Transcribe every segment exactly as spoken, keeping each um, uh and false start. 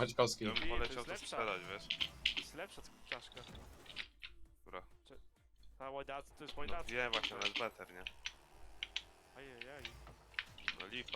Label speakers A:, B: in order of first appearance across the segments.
A: Maćkowski.
B: Ja bym
C: Ty, to
B: poleciał
C: jest
B: to
C: lepsza.
B: sprzedać, wiesz?
C: To jest lepsza czaszka.
B: Która?
C: Ta łajdac, to jest
B: No
C: łajdac.
B: wiem właśnie, ale jest better, nie?
C: Ajajaj.
B: No lipa.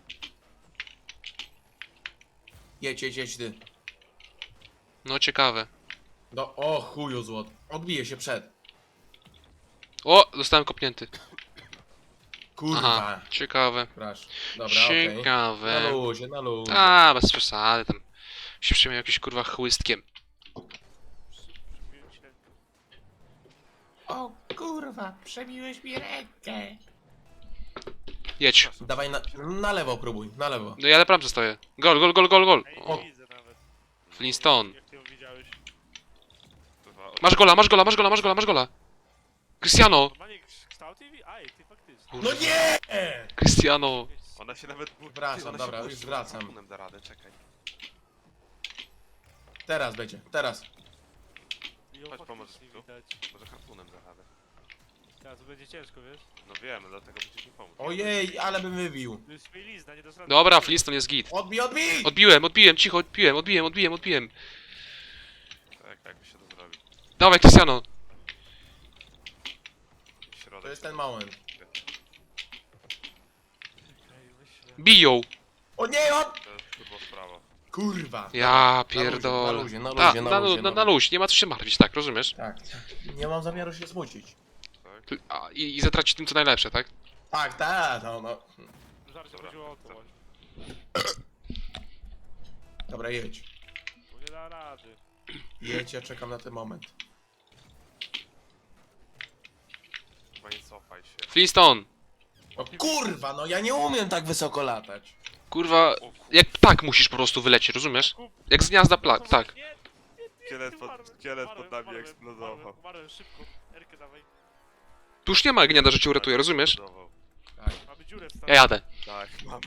A: Jedź, jedź, jedź ty.
D: No ciekawe.
A: No, o chuju złot. Odbije się przed.
D: O, zostałem kopnięty.
A: Kurwa.
D: Aha, ciekawe.
A: Proszę. Dobra, okej. Na
D: Ciekawe.
A: luzie, na luzie.
D: A, bez przesady tam. Się przyjmie jakimś kurwa chłystkiem.
C: Przybiłem ci rękę.
A: O kurwa, przebiłeś mi rękę.
D: Jedź.
A: Dawaj na, na lewo próbuj, na lewo.
D: No ja na bramce stoję. Gol, gol, gol, gol, gol.
C: Ej,
D: O,
C: nie widzę nawet.
D: Flintstone.
C: Jak ty ją widziałeś.
B: Kurwa,
D: Masz gola, masz gola, masz gola, masz gola, masz gola. Cristiano.
C: Normalnie kształt i... Aj, ty faktycznie.
A: No nie!
D: Cristiano.
B: Ona się nawet...
A: Wracam,
B: Ona
A: dobra,
B: się
A: już
B: puści,
A: wracam.
B: harpunem da radę, czekaj.
A: Teraz będzie, teraz.
C: Ją
B: Chodź, pomóż
C: faktycznie
B: tu.
C: widać.
B: Może harpunem da radę.
C: Teraz to będzie ciężko, wiesz?
B: No wiem, dlatego musisz mi pomóc.
A: Ojej, ale bym wybił.
C: To jest mielizna, nie dasz rady.
D: Dobra, Flintstone jest git.
A: Odbij, odbij!
D: Odbiłem, odbiłem, cicho, odbiłem, odbiłem, odbiłem, odbiłem.
B: Tak, jakby się to zrobi.
D: Dawaj, Cristiano.
B: Środek.
A: To jest ten moment.
C: Ej, myślę.
D: Biją.
A: O nie, od...
B: To jest kurwa sprawa.
A: Kurwa.
D: Ja
A: luzie, na
D: pierdolę.
A: luzie, na
D: Ta,
A: luzie, na
D: na,
A: luzie,
D: na,
A: na
D: na luź, nie ma co się martwić, tak, rozumiesz?
A: Tak, nie mam zamiaru się smucić.
B: Tak?
D: Ty- A, i, I zatracić tym co najlepsze, tak?
A: Tak, tak, no, no.
C: Żarcie
B: Dobra,
C: chodziło o to,
B: tak.
C: właśnie.
A: Dobra, jedź.
C: Bo nie da rady.
A: Jedź, ja czekam na ten moment.
B: Chyba nie cofaj się.
D: Flintstone.
A: O kurwa, no ja nie umiem tak wysoko latać.
D: Kurwa,
B: O kurwa.
D: jak ptak musisz po prostu wylecieć, rozumiesz? Jak z gniazda plat, tak.
C: Nie,
B: Szkielet pod,
C: umarłem,
B: szkielet
C: umarłem,
B: pod nami
C: umarłem,
B: eksplodował.
C: Umarłem, umarłem szybko. Erkę dawaj.
D: Tu już nie ma gniazda, że cię uratuje, rozumiesz?
B: Eksplodował.
A: Tak.
C: Mamy dziurę w
D: Ja
C: stanie.
D: jadę.
B: Tak, mamy.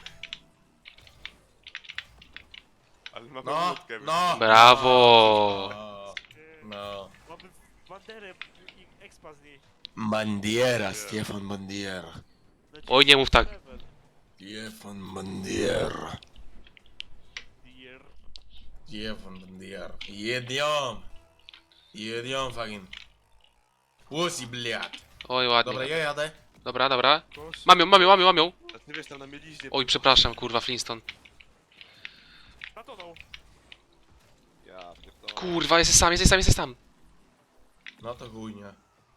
B: Ale mamy
A: No,
B: łódkę.
A: no.
D: Brawo.
A: No,
C: Nie,
A: no.
C: Mamy banderę i expa z niej.
A: Bandiera, Stefan Bandiera.
C: Leci
D: Oj, nie mów tak.
C: level.
A: Stefan Bandiera.
C: Dear.
A: Stefan Bandiera. Jedziom. Jedziom, fucking. Łosi, bliad.
D: Oj,
A: Dobra,
D: ładnie.
A: ja jadę.
D: Dobra, dobra.
C: Kosz.
D: Mam ją, mam ją, mam ją, mam ją.
B: A ty wiesz, tam na mieliźnie...
D: Oj, przepraszam, kurwa, Flintstone.
C: Zatonął.
B: Ja pierdolę.
D: Kurwa, jesteś sam, jesteś sam, jesteś sam.
A: No to chujnia.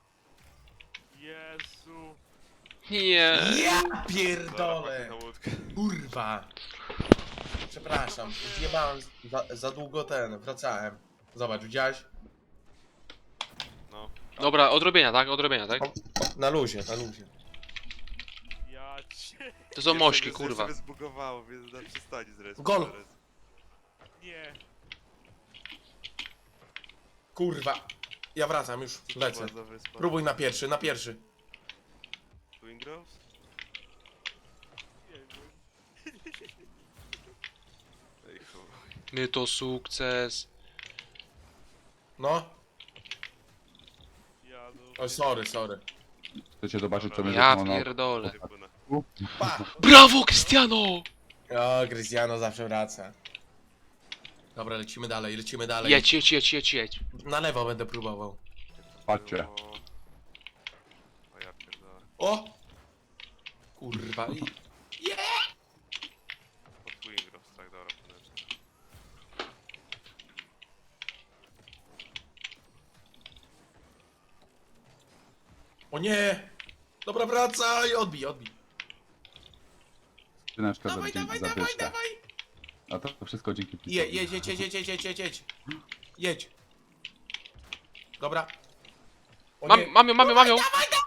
C: Jezu.
D: Nie.
A: Ja
B: Zaraz
A: pierdolę.
B: na łódkę.
A: Kurwa. Przepraszam, zjebałem za, za długo ten, wracałem. Zobacz, widziałeś?
B: No.
D: Dobra, odrobienia, tak? Odrobienia, tak?
A: Na luzie, na luzie.
C: Ja cię.
D: To są mośki, kurwa.
B: Jeszcze zbugowało, więc na przystani zresztą.
A: Gol.
B: zaraz.
C: Nie.
A: Kurwa. Ja wracam już, lecę.
B: Chyba za wyspą.
A: Próbuj na pierwszy, na pierwszy.
B: Twin Groves?
C: Nie wiem.
B: Ej, chuj.
D: My to sukces.
A: No.
C: Ja no.
A: Oj, sorry, sorry.
E: Chcecie zobaczyć, co będzie
D: Ja
E: to na...
D: pierdolę.
B: Nie płynę.
A: Pa!
D: Brawo, Cristiano!
A: O, Cristiano zawsze wraca. Dobra, lecimy dalej, lecimy dalej.
D: Jedź, jedź, jedź, jedź, jedź.
A: Na lewo będę próbował.
E: Patrzcie.
B: O, o ja pierdolę.
A: O! Kurwa. I...
B: Pod Twin Groves, tak, dobra, płynę.
A: O nie! Dobra, wracaj! Odbij, odbij.
E: Skrzyneczka za,
A: Dawaj,
E: dzięki
A: dawaj,
E: za
A: dawaj,
E: dyszkę.
A: dawaj!
E: A to wszystko dzięki
A: Je,
E: Pitowi.
A: jedź, jedź, jedź, jedź, jedź, jedź, jedź, jedź. Jedź. Dobra. O
D: Mam,
A: nie,
D: mam ją, mam ją, mam ją.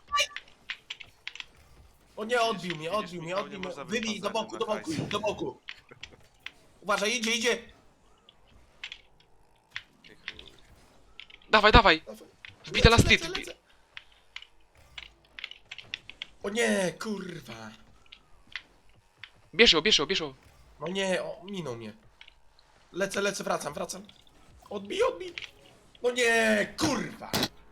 A: o nie, odbił mnie,
B: Widzisz,
A: odbił mnie,
B: Michał,
A: odbił
B: nie
A: mnie.
B: można
A: Wybij, do
B: wypadać
A: boku,
B: na
A: do boku,
B: hajs.
A: do boku. Uważaj, idzie, idzie.
B: Ej, chuj.
D: Dawaj, dawaj. Wbite na
A: Lecę,
D: street.
A: lecę, lecę. O nie, kurwa.
D: Bierz ją, bierz ją, bierz ją.
A: No nie, o, minął mnie. Lecę, lecę, wracam, wracam. Odbij, odbij. No nie, kurwa.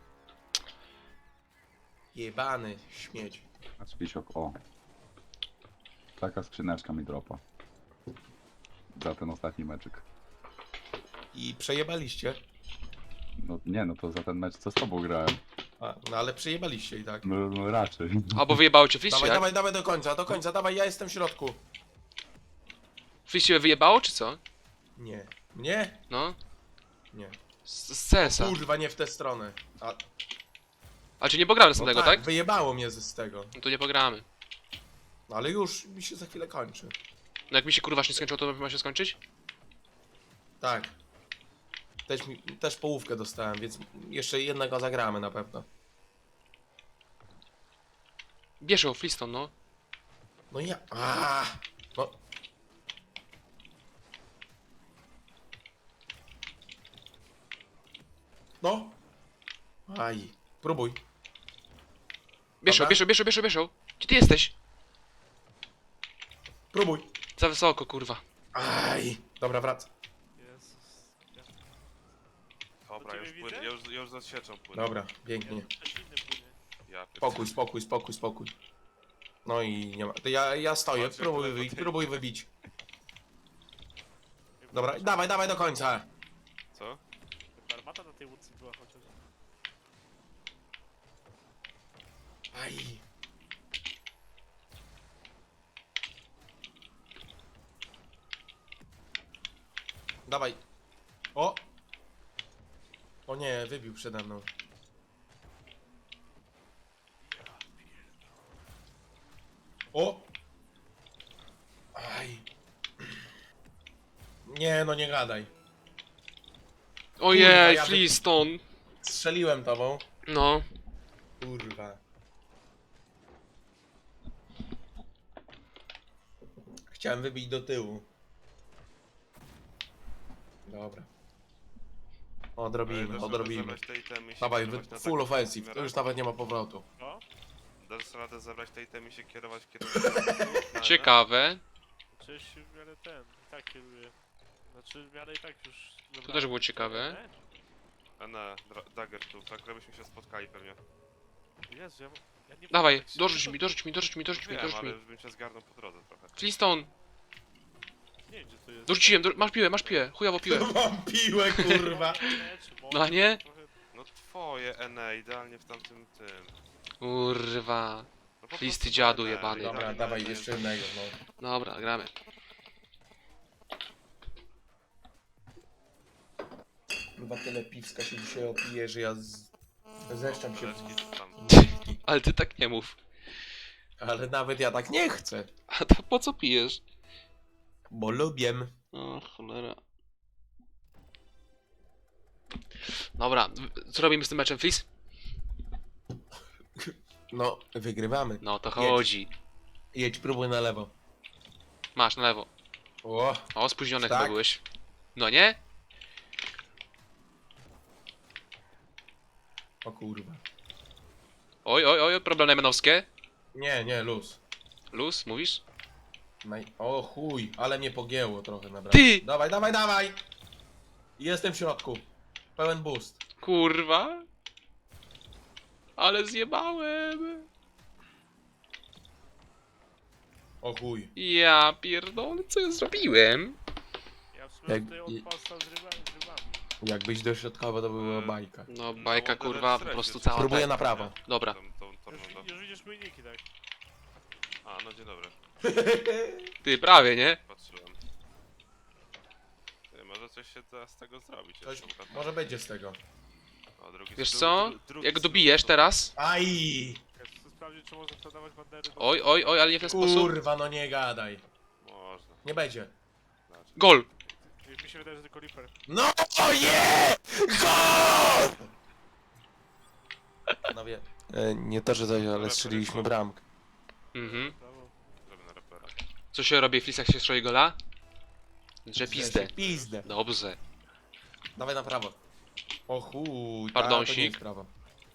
A: Jebany śmieć.
E: Patrz, Pisiok, o. Taka skrzyneczka mi dropa. Za ten ostatni meczyk.
A: i przejebaliście.
E: No nie, no to za ten mecz co z tobą grałem.
A: A, no ale przejebaliście i tak.
E: No, no raczej.
D: Albo wyjebało cię Flis,
A: Dawaj,
D: jak?
A: dawaj, dawaj do końca, do końca, dawaj, ja jestem w środku.
D: Flis cię wyjebało, czy co?
A: Nie. Mnie?
D: No.
A: Nie.
D: Z, z C S a.
A: Kurwa, nie w tę stronę. A,
D: A czy nie pogramy z
A: no
D: tego,
A: tak,
D: tak?
A: wyjebało mnie z, z tego.
D: No to nie pogramy.
A: No ale już mi się za chwilę kończy.
D: No jak mi się kurwa nie skończyło, to ma się skończyć?
A: Tak. Też, mi, też połówkę dostałem, więc jeszcze jednego zagramy na pewno.
D: Bierz ją, Fliston, no.
A: No ja... A, no. No. Aj. Próbuj.
D: Bierz ją,
A: Dobra.
D: bierz ją, bierz ją, bierz ją, bierz ją. Gdzie ty jesteś?
A: Próbuj.
D: Za wysoko, kurwa.
A: Aj. Dobra, wracam.
C: Jezus. Ja,
B: Dobra,
C: To
B: już
C: ciebie
B: płynę,
C: widzę?
B: ja już, ja już za sieczą płynę.
A: Dobra,
C: ja
A: pięknie.
C: też inny płynie.
B: Ja pierdolę.
A: Spokój, spokój, spokój, spokój. No i nie ma. To ja, ja stoję,
B: Chodź,
A: próbuj
B: jak
A: wybić,
B: tutaj.
A: próbuj wybić.
C: Jakby
A: Dobra,
C: chociaż-
A: dawaj, dawaj do końca.
B: Co?
C: Jakby armata na tej łódce była chociaż.
A: Aj. Dawaj. O! O nie, wybił przede mną. O! Aj. Nie, no nie gadaj.
D: Ojej,
A: ja wy-
D: Fliston.
A: Strzeliłem tobą.
D: No.
A: Kurwa. Chciałem wybić do tyłu. Dobra.
B: Ale
A: Odrobimy,
B: dasz radę
A: odrobimy.
B: zebrać te itemy i się
A: Dawaj,
B: kierować
A: wy-
B: na
A: full
B: taką
A: offensive, to
B: miarę?
A: już nawet nie ma powrotu.
C: No?
B: Dasz radę zebrać te itemy i się kierować w kierunku... na-
D: Ciekawe.
C: Czyś w miarę ten, i tak kieruję. Znaczy w miarę i tak już...
D: To też było ciekawe.
B: A na, dra- dagger tu, tak żebyśmy się spotkali pewnie.
C: Jezu, ja, ja nie
D: Dawaj,
C: tak się-
D: dorzuć mi, dorzuć mi, dorzuć mi, dorzuć mi,
B: Wiem,
D: dorzuć
B: ale
D: mi.
B: już bym się zgarnął po drodze trochę.
D: Fliston.
C: Nie wiem gdzie to jest.
D: Dorzuciłem, dor masz piłę, masz piłę. Chujowo piłę.
A: Mam piłę, kurwa.
C: Nie, czy może,
D: No a nie?
C: trochę-
B: No twoje Ene, idealnie w tamtym tym.
D: Kurwa.
B: No po
D: Listy
B: prostu
D: dziadu
B: Ene,
D: jebany.
B: idealnie
A: Dobra,
B: na
A: dawaj
B: Ene
A: jeszcze
B: jest-
A: jednego, no.
D: Dobra, gramy.
A: Chyba tyle piwska się dzisiaj opije, że ja z... zeszczam się.
B: Leczki to tam.
D: Ale ty tak nie mów.
A: Ale nawet ja tak nie chcę.
D: A to po co pijesz?
A: Bo lubię.
D: O, cholera. Dobra, w- co robimy z tym meczem, Flis?
A: No, wygrywamy.
D: No to
A: Jedź.
D: chodzi.
A: Jedź, próbuj na lewo.
D: Masz, na lewo.
A: O,
D: O, spóźniony
A: Tak?
D: chyba byłeś. No nie?
A: o kurwa.
D: Oj, oj, oj, problem najmanowskie.
A: Nie, nie, luz.
D: Luz, mówisz?
A: Naj... O chuj, ale mnie pogięło trochę naprawdę.
D: Ty!
A: Dawaj, dawaj, dawaj! Jestem w środku. Pełen boost.
D: Kurwa. Ale zjebałem.
A: O chuj.
D: Ja pierdolę, co ja zrobiłem?
C: Ja w sumie
A: Jak-
C: tutaj
A: i-
C: odpasta z rybami, z rybami.
A: Jakbyś dośrodkowo, to była bajka.
D: No, bajka
B: No,
D: kurwa, po
B: stresie,
D: prostu
B: czy-
D: cała
A: Próbuję
D: ta...
A: na prawo.
D: Dobra.
B: Tą, tą, tą,
C: Już,
B: tą,
C: już widzisz mój niki, tak?
B: A, no dzień dobry.
D: Ty, prawie, nie?
B: Patrzyłem. Ty, może coś się da z tego zrobić.
A: Coś
B: jeszcze, prawda?
A: może będzie z tego.
B: O, drugi,
D: Wiesz
B: dru-
D: co?
B: dru- drugi
D: Jak
B: znów
D: dobijesz
B: to-
D: teraz...
A: Aj!
C: Ja chcę sprawdzić, czy można sprzedawać bandery do...
D: Oj, oj, oj, ale nie w ten sposób.
A: Kurwa, no nie gadaj.
B: Można.
A: Nie będzie.
B: Znaczy.
D: Gol!
C: Już mi się wydaje, że tylko Reaper.
A: No je! Gol! No wie. E, nie to, że coś, ale strzeliliśmy bramkę.
D: Mhm.
C: Brawo.
B: Zrobię na rapera.
D: Co się robi w Flisach, jak się strzeli gola? Że pizdę.
A: Pizdę.
D: Dobrze.
A: Dawaj na prawo. O chuj, ta,
D: Pardonsik.
A: to nie jest prawo.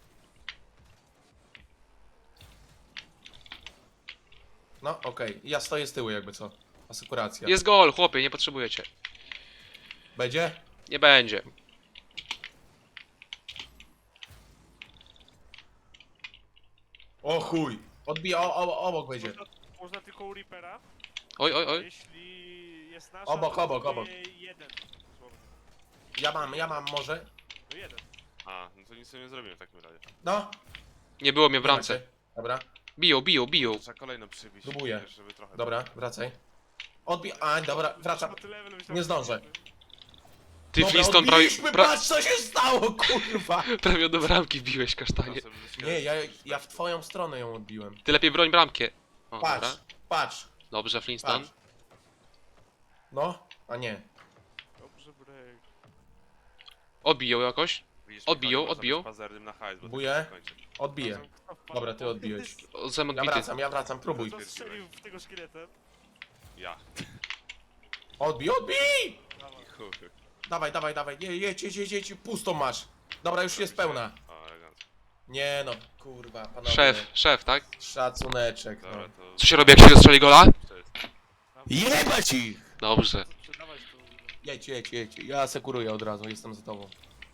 A: No, okej. Ja stoję z tyłu jakby co. Asekuracja.
D: Jest gol, chłopie, nie potrzebujecie.
A: Będzie?
D: Nie będzie.
A: O chuj. Odbija, o, o, obok będzie.
C: Można, można tylko u Reapera,
D: Oj, oj, oj.
C: jeśli jest nasza,
A: Obok,
C: to
A: obok,
C: dostaje
A: obok.
C: jeden. Dosłownie.
A: Ja mam, ja mam może.
C: No jeden.
B: A, no to nic sobie nie zrobimy w takim razie.
A: No.
D: Nie było mnie w
A: nie
D: bramce.
A: macie. Dobra,
D: Biją, biją, biją.
B: To trzeba kolejno przybić.
A: Próbuję.
B: wiesz, Żeby trochę...
A: dobra, wracaj. Odbij, a dobra, wracam.
C: Bo ty level myślałem,
A: Nie
C: że
A: zdążę.
D: Ty
A: Dobra,
D: Flintstone prawie,
A: odbiliśmy,
D: pra,
A: patrz co się stało, kurwa!
D: prawie do bramki biłeś, kasztanie.
A: Nie, ja, ja w twoją stronę ją odbiłem.
D: Ty lepiej broń bramkę. O,
A: Patrz,
D: dobra.
A: patrz,
D: Dobrze, Flintstone.
A: patrz. No, a nie.
C: Dobrze, break.
D: Odbiją jakoś.
B: Widzisz,
D: Odbiją,
B: Michał, nie można
D: odbiją.
B: być pazernym na hajs, bo to
A: Buję.
B: się skończy.
A: Odbiję. Dobra, ty odbiłeś.
D: O, Zem
A: Ja
D: odbity.
A: wracam, ja wracam, próbuj.
C: Kto strzelił w tego szkieletem?
B: Ja.
A: Odbij, odbij!
C: Dawaj.
B: Chuj.
A: Dawaj, dawaj, dawaj, nie, jedź, jedź, jedź, jedź, pustą masz. Dobra, już jest pełna.
B: O, elegancko.
A: Nie no, kurwa, panowie.
D: Szef, szef, tak?
A: Szacuneczek,
B: Dobra,
A: no.
B: to...
D: Co się robi, jak się strzeli gola?
B: To jest...
A: Jebać ich!
D: Dobrze.
C: Sprzedawać to.
A: Jedź, jedź, jedź, ja sekuruję od razu, jestem za tobą.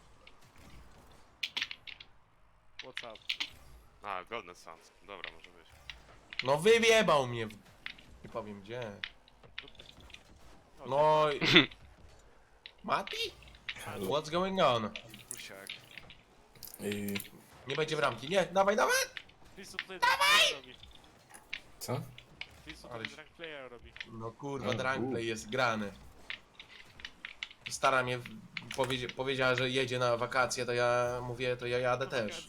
C: What's up?
B: A, Golden Suns. Dobra, może być.
A: No wywiebał mnie. w- Nie powiem gdzie. No i... Mati? What's going on?
B: Pusiak.
A: Nie będzie bramki, nie, dawaj, dawaj!
C: Fisu tutaj dawaj! Robi.
F: Co?
C: Fisu
A: Ale
C: tutaj
A: się-
C: drag player robi.
A: No kurwa,
F: O,
A: Drankplay jest grany. Stara mnie w- powiedzia powiedziała, że jedzie na wakacje, to ja mówię, to ja jadę też.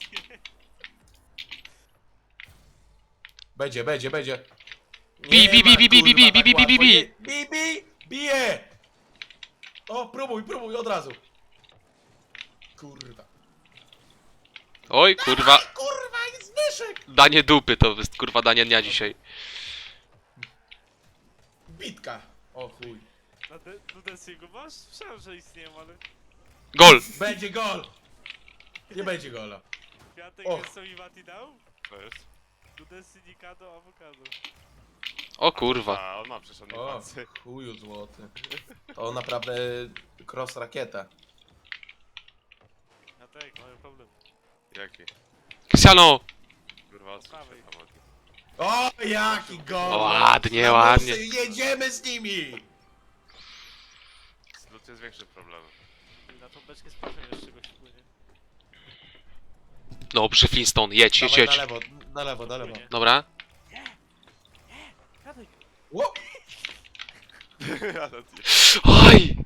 A: Będzie, będzie, będzie.
D: Bi,
A: Nie
D: bi, bi,
A: ma,
D: bi, bi, bi,
A: kurwa,
D: bi, bi,
A: tak
D: bi, bi,
A: łatwo.
D: bi.
A: Nie- Bi, bi, bije! O, próbuj, próbuj, od razu. Kurwa.
D: Oj, kurwa.
A: Kurwa, jest Zbyszek!
D: Danie dupy to jest kurwa danie dnia dzisiaj.
A: Bitka. O chuj.
C: Na de Dudesiego masz? Słyszałem, że istnieją, ale...
D: Gol!
A: Będzie gol! Nie będzie gola.
C: Kwiatek
A: Och.
C: jest co mi Mati dał?
B: To jest?
C: Dudesi, Nikado, awokado.
D: O kurwa.
B: A, on ma przecież on nie
A: O,
B: patrzy.
A: chuju złoty. To naprawdę cross rakieta.
C: A tak, mamy problem.
B: Jaki?
D: Cristiano!
B: Kurwa, odsuń się,
C: Prawej.
B: Pamati.
A: O, jaki gol!
D: O, ładnie,
A: Na
D: ładnie.
A: busy, jedziemy z nimi!
B: Zlut jest większym problemem.
C: I na tą beczkę sprawdzę jeszcze czegoś wpłynie.
D: Dobrze, Flintstone, jedź, jedź,
A: Dawaj na
D: jedź.
A: lewo, na lewo, na lewo.
C: Wpłynie.
D: Dobra.
C: Kwiatek!
A: Ło!
B: Ale ty...
D: Oj!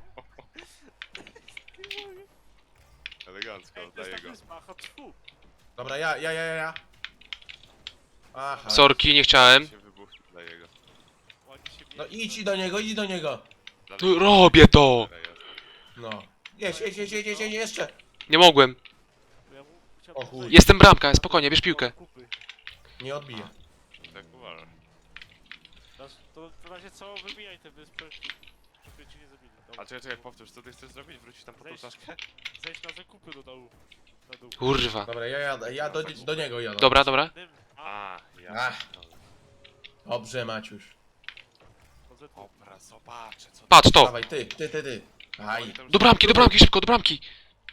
B: Elegancko,
C: Ej, to jest
B: oddaję
C: tak
B: go.
C: wyspa, chodź fu!
A: Dobra, ja, ja, ja, ja, ja. Aha.
D: Sorki, nie chciałem.
B: Się wybuchnie, daję go.
C: Ładnie się
A: No
C: bije.
A: idź do niego, idź do niego.
D: No, robię to!
A: No. Jedź, jedź, jedź, jedź, jedź, jedź jeszcze.
D: Nie mogłem.
C: Bo ja mu chciałem
A: O chuj.
C: tutaj-
D: Jestem bramka, spokojnie, bierz piłkę.
C: Kupy.
A: Nie odbije.
B: Tak uważam.
C: Dasz- To w razie co, wybijaj te wyspy, żeby ci nie zabili. Dobra.
B: A czekaj, czekaj, powtórz, co ty chcesz zrobić? Wrócić tam po tą
C: Zejść.
B: czaszkę?
C: Zejdź na zakupy do dołu. Na dół.
D: Kurwa.
A: Dobra, ja jadę, ja do, do niego jadę.
D: Dobra, dobra.
C: Dym. A,
B: A, ja.
A: Ach. Dobrze, Maciuś.
C: poza tym.
B: Dobra, zobaczę co...
D: Patrz to!
A: Dawaj, ty, ty, ty, ty. Aj.
D: Do bramki, do bramki, szybko, do bramki!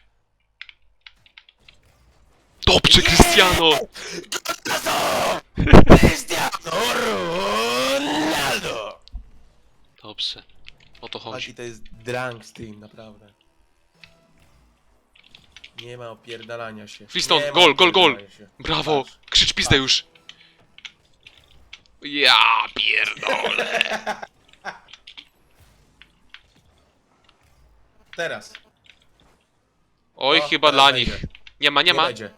D: Dobrze, Cristiano!
A: Cristiano Ronaldo!
D: Dobrze. O to
A: Taki
D: chodzi.
A: to jest drunk z tym, naprawdę. Nie ma opierdalania się.
D: Flintstone,
A: Nie ma
D: gol, gol, gol.
A: opierdalania się.
D: Brawo!
A: Patrz.
D: Krzycz pizdę już! Ja pierdolę!
A: Teraz.
D: Oj,
A: O,
D: chyba
A: teraz
D: dla
A: będzie.
D: nich. Nie ma, nie ma.
A: będzie.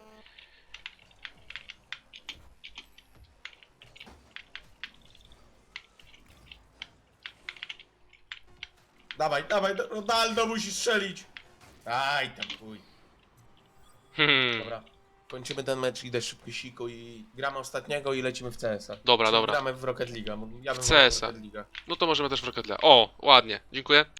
A: Dawaj, dawaj, Ronaldo musi strzelić. Aj, tam chuj.
D: Hmm.
A: Dobra. Kończymy ten mecz, idę szybko siku i gramy ostatniego i lecimy w C S a.
D: Dobra,
A: Czyli
D: dobra.
A: Gramy w Rocket League. Ja bym
D: W C S a.
A: wolał Rocket League'a.
D: No to możemy też w Rocket League. O, ładnie. Dziękuję.